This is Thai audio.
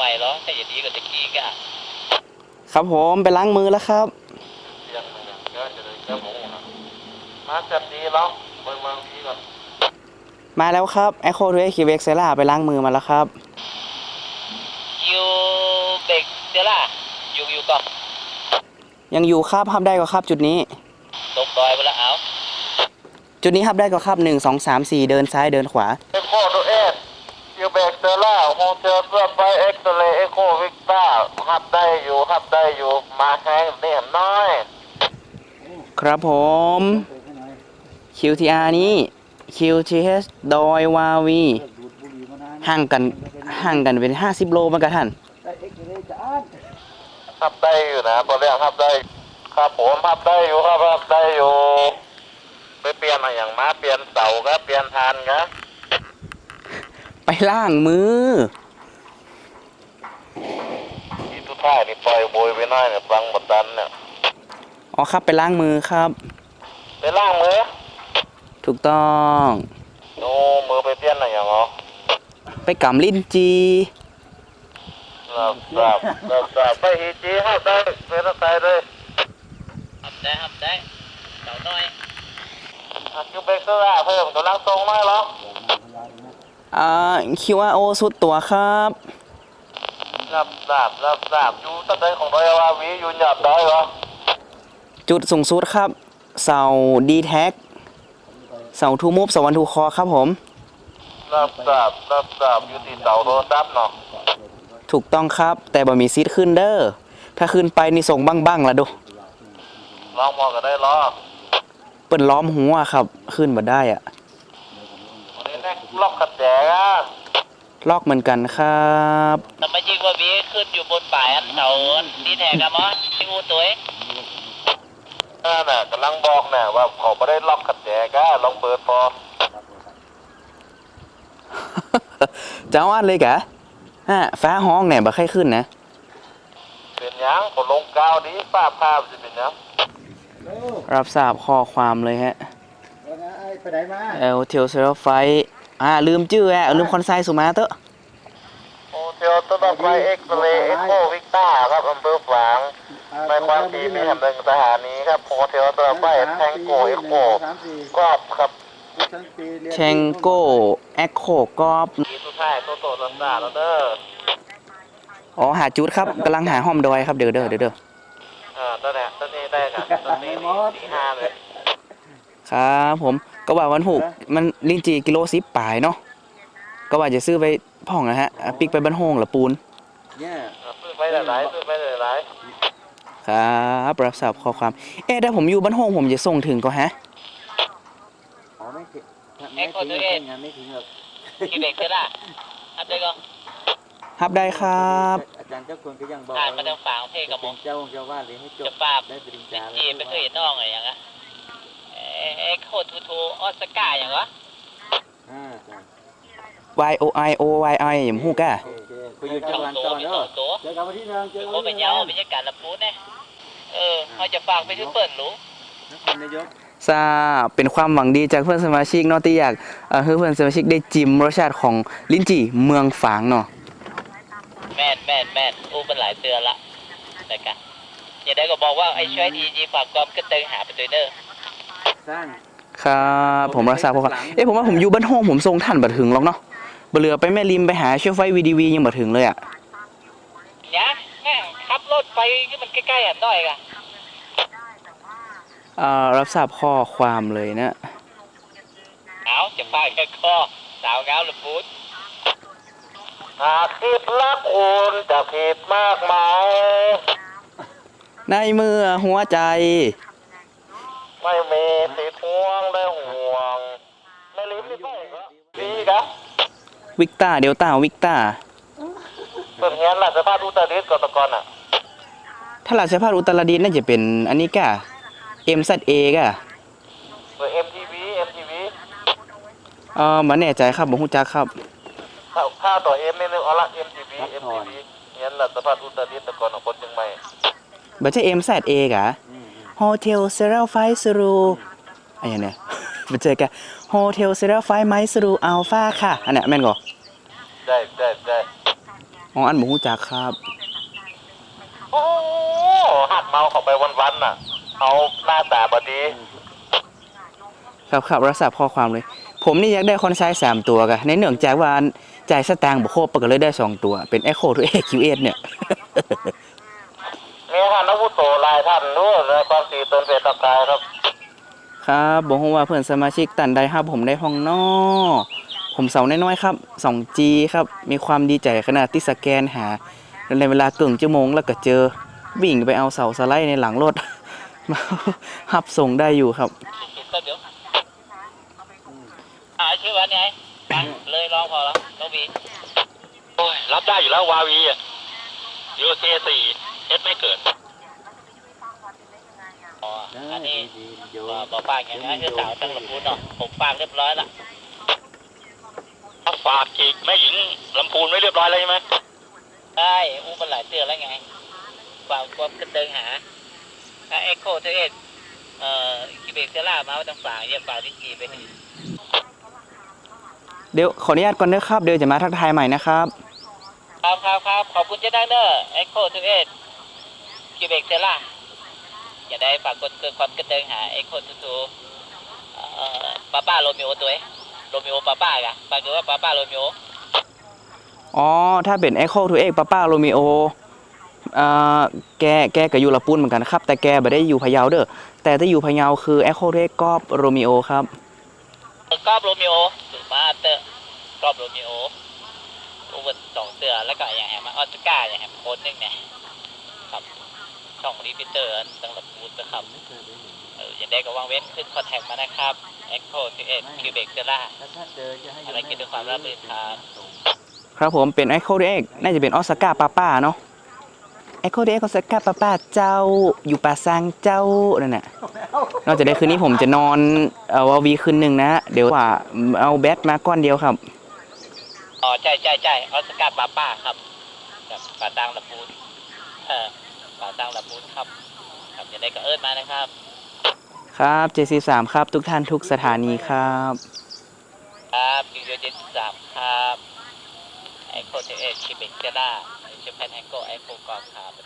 ใหม่เหรอถ้าอย่างนี้ก็จะกี้ก็ครับผมไปล้างมือแล้วครับยังไม่เยอะจะเลยเจ้าหมูนะมาจับดีแล้วเบิ่งมาพี่ก่อนมาแล้วครับ Echo to Equivox Vexella ไปล้างมือมาแล้วครับยูเบกเดล่าอยู่ก่อนยังอยู่ครับฮับได้ก็ครับจุดนี้ตกดอยไปแล้วเอาจุดนี้ฮับได้ก็ครับ1 2 3 4เดินซ้ายเดินขวาเอ็กโคตัวเอสยูเบกเซล่าโฮเทลเพื่อไปเอ็กซเรย์เอ็กโควิกต้าฮับได้อยู่มาแข่งนี่น้อยครับผม QTR นี้ QTH ดอยวาวีห่างกันเป็น50 โลเหมือนกันท่านฮับได้อยู่นะตัวเรียกฮับได้ครับผมฮับได้อยู่ครับฮับได้อยู่ไปเปลี่ยนอะไรอย่างมาเปลี่ยนเสาครับเปลี่ยนทานครับไปล้างมือที่ทุกท่ายนี่ปล่อยโบยไปหน่อยเนี่ยฟังบทดันเนี่ยอ๋อครับไปล้างมือครับไปล่างมือถูกต้องโอ้มือไปเปลี่ยนอะไรอย่างเหรอไปกำลิ้นจีรับไปฮีจีฮับได้เป็นอะไรเลยหับได้เต่าน้อยยูเบกเซล่าเพิ่มกำลังทรงน้อยเหรอ QRO สุดตัวครับรับอยู่ตั้งแต่ของดอยวาวีอยู่หยับได้เหรอจุดสูงสุดครับ เสา D tag เสาทูมูฟเสาวันทูคอครับผมรับอยู่ที่เสาโทรศัพท์เนาะถูกต้องครับ แต่บ่มีซีดขึ้นเด้อถ้าขึ้นไปนี่ส่งบ้างละดูลองมองกันได้เหรอเปิ้นล้อมหัวครับ ขึ้นบ่ได้อะวันนี้แน่ล็อกขัดแจอ่ะลอกเหมือนกันครับทำไมยิงว่าบีขึ้นอยู่บนป่ายอันเต่าดีแทกกันมั้งที่งูตัวน่ะกำลังบอกเนี่ยว่าเขาไม่ได้ล็อกขัดแจก้าลองเปิดพอเจ้าอันเลยกะฟ้าห้องเนี่ยบ่ใครขึ้นนะเป็นยังผมลงกาวดีป้าภาพจะเป็นยังรับทราบข้อความเลยฮะไปไหนมาเทลเซอร์ไฟลืมชื่อลืมคอนไซสุมาเตอะโอเทลต้นไฟเอ็กซ์เรย์เอ็กโควิกต้าครับอำเภอฝางในความถี่มีแห่งหนึ่งสถานีครับโฮเทลต้นไฟแทงโกเอ็กโคกรอบครับเชงโก้แอคโคกอบทีสุดท้ายโตโตลันดาแล้วเด้ออ๋อหาจุดครับกำลังหาห้อมดอยครับเดี๋ยวตอนนี้ได้กันตอนนี้ที่ห้าเลยครับผมก็ว่าวัน6มันลิ้นจีกิโล10ปลายเนาะก็ว่าจะซื้อไปพ่องนะฮะปิกไปบ้านโฮงหรือปูนเนี่ยซื้อไปหลายครับรับทราบข้อความถ้าผมอยู่บ้านโฮงผมจะส่งถึงก็ฮะอ๋อไม่ถึงไม่ถึงหรอกยูเบกเดล่าหับได้ก็ฮับได้ครับอาจารย์เจ้าคนก็ยังบอกอ่านมาทางฝั่งเพกับมงเจ้าว่าเลยให้จจะบปราบได้ปริญลิญาจีไม่เคยเห็นน้องอะไรอย่างเงี้ยโคทูออสการ์อย่างวะ Y O I O Y I อย่างฮู้กะโอเคคุยอยู่จังหวัดโตต่อมีเนาะโตเจอกันวันที่นึงเจอเขาเป็นยาวเป็นการรับรู้เนี่ยเขาจะฝากไปถึงเปิดรู้นครนายกทราบเป็นความหวังดีจากเพื่อนสมาชิกเนาะที่อยากให้เพื่อนสมาชิกได้จิ้มรสชาติของลิ้นจี่เมืองฝางเนาะแม่นอู้เป็นหลายเตือนละแต่กันอย่าได้ก็บอกว่าไอ้ช่วยทีฝากกอมก็เติงหาไปตัวเด้อสร้างครับผมรับทราบข้อความผมว่าผมอยู่บ้านโฮงผมส่งท่านบ่ถึงหรอกเนาะบ่เหลือไปแม่ริมไปหาเชื่อไฟ VDV ยังบ่ถึงเลยอ่ะเนี่ยแม่ขับรถไปที่มันใกล้ๆอ่ะน้อยกะรับทราบข้อความเลยนะเอาจะฝากแค่ข้อสาวเงาหรือพูดหากคิดรักคุณจะผิดมากมายในเมื่อหัวใจไม่มีสิทธิ์ห่วงและห่วงไม่ลิ้มไม่ค่อยก็ดีครับวิกตาเดลต้าวิกตาเปิดเฮียนหลักสภาพอุตรดิตถ์ก่อนตะกอนอ่ะถ้าราชพัฒอุตรดิตถ์น่าจะเป็นอันนี้กะ MZA กะเปิด MTV บ่แน่ใจครับบ่ฮู้จักครับข้าวต่อ M นี่นึงเอาละ MTV เฮียนหลักสภาพอุตรดิตถ์ตะกอนของคนเชียงใหม่บ่ใช่ MZA กะ Hotel Serral 5 Suru อันนี้เนี่ย บ่เจอกะ Hotel Serral 5 Mike Suru Alpha ค่ะอันเนี้ยแม่นบ่ได้อ๋ออันบ่ฮู้จักครับโอ้หักเมาเข้าไปวันๆน่ะเอาหน้าตาบดีครับครับรับทราบข้อความเลย ผมนี่อยากได้คอนไซส์3ตัวกะในเนื่องจากว่าจ่ายสตางค์บ่ครบก็เลยได้2ตัวเป็น Echo to AQS เนี่ยมีท่านอาวุโสหลายท่านด้วยในความสีตนเป็นตะกายครับครับบอกว่าเพื่อนสมาชิกตันใดครับผมได้ห้องนอผมเสาน้อยๆครับ 2G ครับ มีความดีใจขนาดที่สแกนหาในเวลาเกินชั่วโมงแล้วก็เจอวิ่งไปเอาเสาสไลด์ในหลังรถ มาหับส่งได้อยู่ครับก็เดี๋ยวชื่อวันไงเลยลองพอแล้วน้องบีโอ้ยรับได้อยู่แล้ววาวีอ่ะยูเ4เอสไม่เกิดอ๋อได้อันนี้ดีๆโยนบอกฝากอย่างนี้คือสาวตั้งลำพูนเนาะผมฝากเรียบร้อยละฝากอีกแม่หญิงลำพูนไม่เรียบร้อยแล้วใช่ไหมได้อู้มันหลายเตือนแล้วไงฝากความกระเติงหาถ้าเอ็กโคเทเอสคิเบกเซล่ามาว่าต้องฝากเยี่ยมฝากที่กีไปเดี๋ยวขออนุญาตก่อนเด้อครับ เดี๋ยวจะมาทักทายใหม่นะครับครับขอบคุณเจ้าดังเนอร์เอ็กโคเทเอสคิเบกเซล่าอย่าได้ฝากกดเกินความกระเติงหาเอ็กโคทูป้าโรมิโอตัวโรมิโอป้ากะฝากดูว่าป้าโรมิโออ๋อ ถ้าเป็น Echo to X ป้าโรมิโอแกก็อยู่ละปุ้นเหมือนกันครับ แต่แกไม่ได้อยู่พะเยาเด้อ แต่ถ้าอยู่พะเยาคือ Echo to X กอบโรมิโอครับกอบโรมิโอหรือมาเตอร์กอบโรมิโออุบัติ2เสือแล้วก็อย่างแหมออสการ์อย่างแหมโค้ดนึงเนี่ยครับช่องรีพิเตอร์ตั้งหลักบูธนะครับอย่างได้ก็วางเว้นขึ้นคอนแทคมานะครับ Echo 11 Quebec Terra แล้วถ้าเจอจะให้อะไรกินด้วยความราบรื่นครับครับผมเป็น Echo to X น่าจะเป็นออสการ์ป้าเนาะ Echo to X ออสการ์ป้าเจ้าอยู่ป่าซางเจ้านั่นน่ะนอกจากได้คืนนี้ผมจะนอนวาวีคืนหนึ่งนะ เดี๋ยวว่าเอาแบตมาก้อนเดียวครับอ๋อใช่ออสการ์ป้าครับแบบป่าตังหลักบูธป่าตังหลักบูธครับครับอย่างได้ก็เอิ้นมานะครับครับ J43 ครับ ทุกท่านทุกสถานีครับครับยูโย73ครับ Echo 11 Quebec Terra เชฟแพนแฮงโก Echo กอล์ฟครับ